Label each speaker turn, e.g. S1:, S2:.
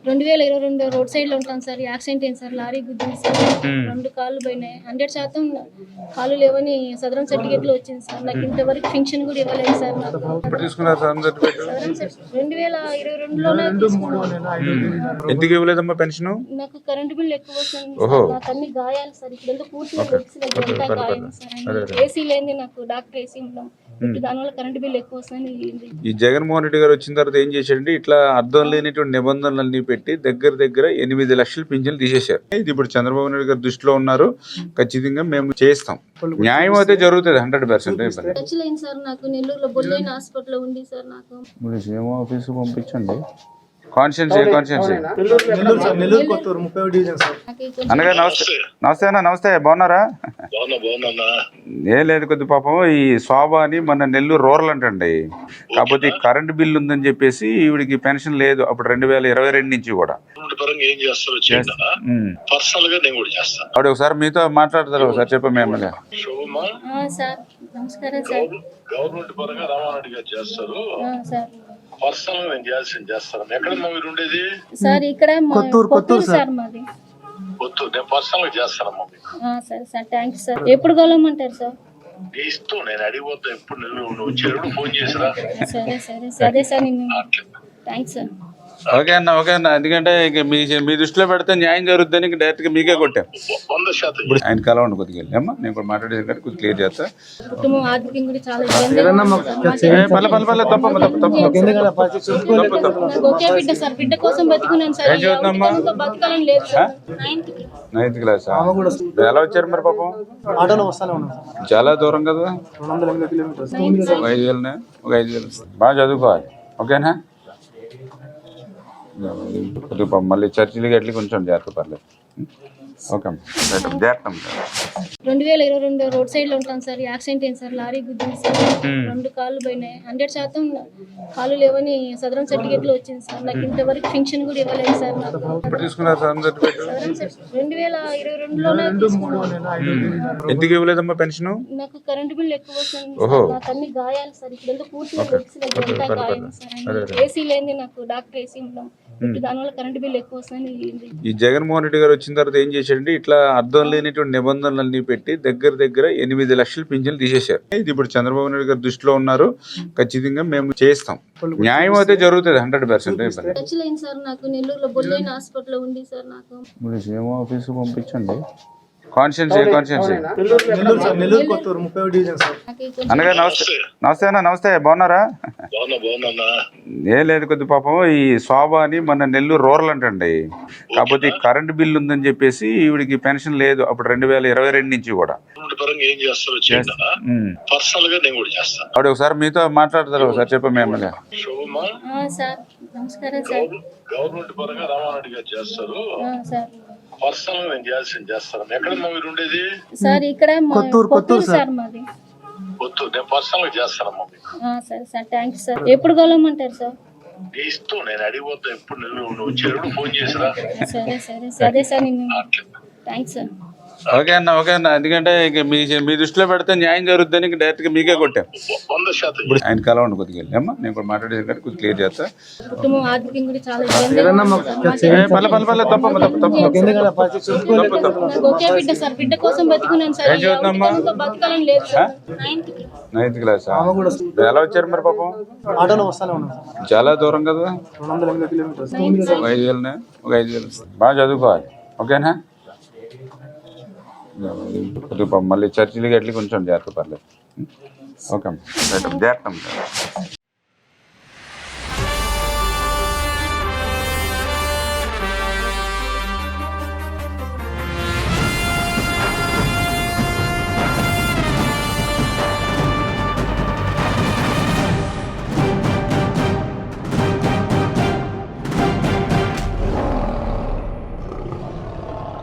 S1: 2022 road సైడ్లో ఉంటాను sir. Accident అయింది సార్, లారీ గుద్దింది సార్. 2 కాళ్ళు పోయినాయి. 100% కాళ్ళు లేవని సదరం సర్టిఫికేట్లో వచ్చింది సార్. నాకు ఇంతవరకు పెన్షన్ కూడా ఇవ్వలేదు సార్. నాకు 2022లోనే
S2: ఎందుకు ఇవ్వలేదమ్మా పెన్షన్?
S1: నాకు కరెంటు బిల్ ఎక్కువ వస్తుంది సార్. నాకు అన్ని గాయాలు సార్. ఇప్పుడు పూర్తిగా అంతా గాయం సార్. ఏసీ లేని నాకు డాక్టర్ ఏసీ ఉన్నాం. దానివల్ల కరెంటు బిల్ ఎక్కువ వస్తుంది.
S2: ఈ జగన్మోహన్ రెడ్డి గారు వచ్చిన తర్వాత ఏం చేశాడంటే ఇట్లా అర్థం లేనిటువంటి నిబంధనలన్నీ పెట్టి దగ్గర 8 లక్షల పింఛన్లు తీసేశారు. ఇది ఇప్పుడు చంద్రబాబు నాయుడు గారు దృష్టిలో ఉన్నారు. ఖచ్చితంగా మేము చేస్తాం. న్యాయం అయితే జరుగుతుంది 100%.
S1: ఖర్చులైంది సార్. నాకు నెల్లూరులో బొల్లైన హాస్పిటల్ ఉంది సార్. నాకు
S2: సీఎం ఆఫీస్ పంపించండి. కాన్షియన్సీ అన్నగారు నమస్తే అన్న. నమస్తే, బాగున్నారా? ఏం లేదు, కొద్ది పాపం ఈ శోభ అని మన నెల్లూరు రూరల్ అంటండి. కాకపోతే ఈ కరెంట్ బిల్ ఉందని చెప్పేసి ఈవిడికి పెన్షన్ లేదు అప్పుడు 2022 నుంచి కూడా. ఆవిడ ఒకసారి మీతో మాట్లాడతారు, ఒకసారి చెప్పండి ఎమ్మెల్యే.
S3: గవర్నమెంట్ పరంగా రామారెడ్డి గారు చేస్తారు. పర్సనల్ నేను చేయాల్సింది చేస్తాను. ఎక్కడ మీరు ఉండేది?
S1: సార్ ఇక్కడ కొత్తూరు సార్ మాది.
S3: కొత్తూరు. నేను పర్సనల్ చేస్తానమ్మా మీకు.
S1: సరే సార్, థ్యాంక్స్ సార్. ఎప్పుడు కలవమంటారు సార్?
S3: ఇస్తూ నేను అడిగిపోతా. ఎప్పుడు నువ్వు వచ్చేటప్పుడు ఫోన్ చేసిరా.
S1: సరే సరే సరే సార్. Thanks sir.
S2: ఓకే అన్న, ఓకే అన్న. ఎందుకంటే ఇక మీ దృష్టిలో పెడితే న్యాయం జరుగుతుందని డైరెక్ట్ గా మీకే కొట్టాం.
S3: 100%
S2: ఆయన కలవండి కొద్దిగా వెళ్ళి అమ్మా. నేను కూడా మాట్లాడేది కానీ కొద్దిగా క్లియర్ చేస్తా.
S1: కుటుంబం ఆర్థికంగా కూడా చాలా ఒకే బిడ్డ సార్. బిడ్డ కోసం బతుకున్నాను సార్.
S2: ఏం చదువుతుందమ్మా?
S1: బతకాలని లేదు సార్.
S2: 9th class. ఎలా వచ్చారు మరి పాపం? చాలా దూరం కదా. 5,000 బాగా చదువుకోవాలి. ఓకేనా? మళ్ళీ చర్చిలకి ఎట్లా కొంచెం జాగ్రత్త పర్లేదు. ఓకే అమ్మా, జాగ్రత్త.
S1: 2022 రోడ్ సైడ్లో ఉంటాను సార్. యాక్సిడెంట్ అయింది సార్, లారీ గుద్దింది సార్. 2 కాళ్ళు పోయినాయి. 100% కాళ్ళు లేవని సదరం సర్టిఫికేట్లో వచ్చింది సార్. నాకు ఇంతవరకు పెన్షన్ కూడా ఇవ్వలేదు సార్. నాకు 2022లోనే
S2: ఎందుకు ఇవ్వలేదమ్మా పెన్షన్?
S1: నాకు కరెంటు బిల్ ఎక్కువ వస్తుంది సార్. నాకు అన్ని గాయాలు సార్. ఇప్పుడు పూర్తిగా అంతా గాయం సార్. ఏసీ లేని నాకు డాక్టర్ ఏసీ ఉన్నాం. దానివల్ల కరెంటు బిల్ ఎక్కువ వస్తుంది.
S2: ఈ జగన్మోహన్ రెడ్డి గారు వచ్చిన తర్వాత ఏం చేశాడంటే ఇట్లా అర్థం లేనిటువంటి నిబంధనలన్నీ పెట్టి దగ్గర 8 లక్షల పింఛన్లు తీసేశారు. ఇది ఇప్పుడు చంద్రబాబు నాయుడు గారు దృష్టిలో ఉన్నారు. ఖచ్చితంగా మేము చేస్తాం. న్యాయం అయితే జరుగుతుంది 100%.
S1: ఖర్చులైంది సార్. నాకు నెల్లూరులో బొల్లైన హాస్పిటల్ ఉంది సార్. నాకు
S2: సీఎం ఆఫీస్ పంపించండి. కాన్షియన్సీ అన్నగారు నమస్తే అన్న. నమస్తే, బాగున్నారా? ఏం లేదు, కొద్ది పాపం ఈ శోభ అని మన నెల్లూరు రూరల్ అంటండి. కాకపోతే ఈ కరెంట్ బిల్ ఉందని చెప్పేసి ఈవిడికి పెన్షన్ లేదు అప్పుడు 2022 నుంచి కూడా. ఆవిడ ఒకసారి మీతో మాట్లాడతారు, ఒకసారి చెప్పండి ఎమ్మెల్యే.
S3: గవర్నమెంట్ పరంగా రామారెడ్డి గారు చేస్తారు. పర్సనల్ నేను చేయాల్సింది చేస్తాను. ఎక్కడ మీరు ఉండేది?
S1: సార్ ఇక్కడ కొత్తూరు సార్ మాది.
S3: కొత్తూరు. నేను పర్సనల్ చేస్తానమ్మా మీకు.
S1: సరే సార్, థ్యాంక్స్ సార్. ఎప్పుడు కలవమంటారు సార్?
S3: ఇస్తూ నేను అడిగిపోతా. ఎప్పుడు నువ్వు వచ్చేటప్పుడు ఫోన్ చేసిరా.
S1: సరే సరే సరే సార్. Thanks sir.
S2: ఓకే అన్న, ఓకే అన్న. ఎందుకంటే ఇక మీ దృష్టిలో పెడితే న్యాయం జరుగుతుందని డైరెక్ట్ గా మీకే కొట్టాం.
S3: 100%
S2: ఆయన కలవండి కొద్దిగా వెళ్ళి అమ్మా. నేను కూడా మాట్లాడేది కానీ కొద్దిగా క్లియర్ చేస్తా.
S1: కుటుంబం ఆర్థికంగా కూడా చాలా ఒకే బిడ్డ సార్. బిడ్డ కోసం బతుకున్నాను సార్.
S2: ఏం చదువుతుందమ్మా?
S1: బతకాలని లేదు సార్.
S2: 9th class. ఎలా వచ్చారు మరి పాపం? చాలా దూరం కదా. 5,000 బాగా చదువుకోవాలి. ఓకేనా? మళ్ళీ చర్చిలకి ఎట్లా కొంచెం జాగ్రత్త పర్లేదు. ఓకే అమ్మా, జాగ్రత్త.